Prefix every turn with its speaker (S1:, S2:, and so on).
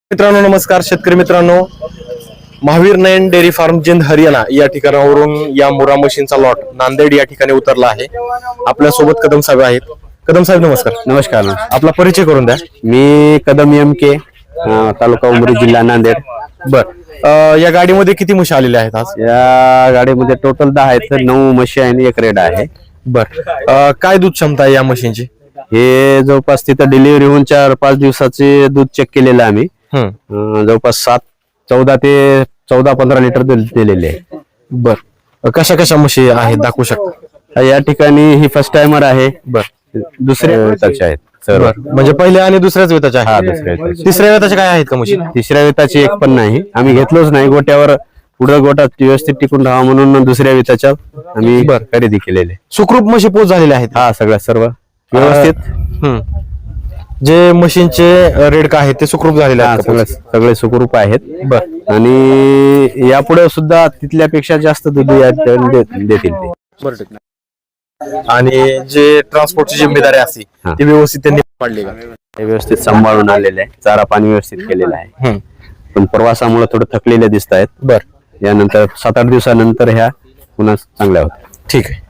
S1: मित्रांनो नमस्कार. शेतकरी मित्रांनो, महावीर नयन डेअरी फार्म जिंद हरियाणा या ठिकाणावरून या मुरा मशीनचा लॉट नांदेड या ठिकाणी उतरला आहे. आपल्या सोबत कदम साहेब आहेत. कदम साहेब नमस्कार.
S2: नमस्कार.
S1: आपला परिचय करून द्या.
S2: मी कदम MK, तालुका उमरी, जिल्हा नांदेड.
S1: बर, या गाडीमध्ये किती म्हशी आलेल्या आहेत आज?
S2: या गाडीमध्ये टोटल 10 आहेत. 9 म्हशी आणि 1 रेडा आहे.
S1: बर, काय दूध क्षमता आहे या मशीनची?
S2: हे जवळपास तिथं डिलिव्हरी होऊन 4-5 दिवसाचे दूध चेक केलेलं आहे आम्ही. जवळपास 14 ते 14-15 लिटर दूध दिलेले आहे.
S1: बर, कशा कशा म्हशी आहेत दाखवू शकता?
S2: या ठिकाणी ही फर्स्ट टाइमर आहे. दुसऱ्या वेताचे आहेत सर्व.
S1: म्हणजे पहिल्या आणि दुसऱ्याच वेताचे
S2: हा,
S1: आहे.
S2: दुसऱ्या वेताचे.
S1: तिसऱ्या वेताचे काय आहेत का म्हशी?
S2: तिसऱ्या वेताची एक पण नाही, आम्ही घेतलोच नाही. गोट्यावर पुढं गोटात व्यवस्थित टिकून राहा म्हणून दुसऱ्या वेताच्या आम्ही खरेदी केलेले.
S1: सुखरूप म्हशी पोच झालेल्या आहेत.
S2: हा, सगळ्या सर्व व्यवस्थित.
S1: जे मशीनचे रेड का आहेत ते सुखरूप झालेले आहेत का?
S2: सगळे सुखरूप आहेत. आणि यापुढे सुद्धा तिथल्यापेक्षा जास्त दूध देतील ते.
S1: बरं. आणि जे ट्रान्सपोर्टची जिम्मेदारी असते ती व्यवस्थित त्यांनी पाडली का?
S2: हे व्यवस्थित सांभाळून आलेले आहे. चारा पाणी व्यवस्थित केलेलं आहे. पण प्रवासामुळे थोडं थकलेले दिसत आहेत.
S1: बर,
S2: यानंतर 7-8 दिवसानंतर ह्या पुन्हा चांगल्या होत्या.
S1: ठीक आहे.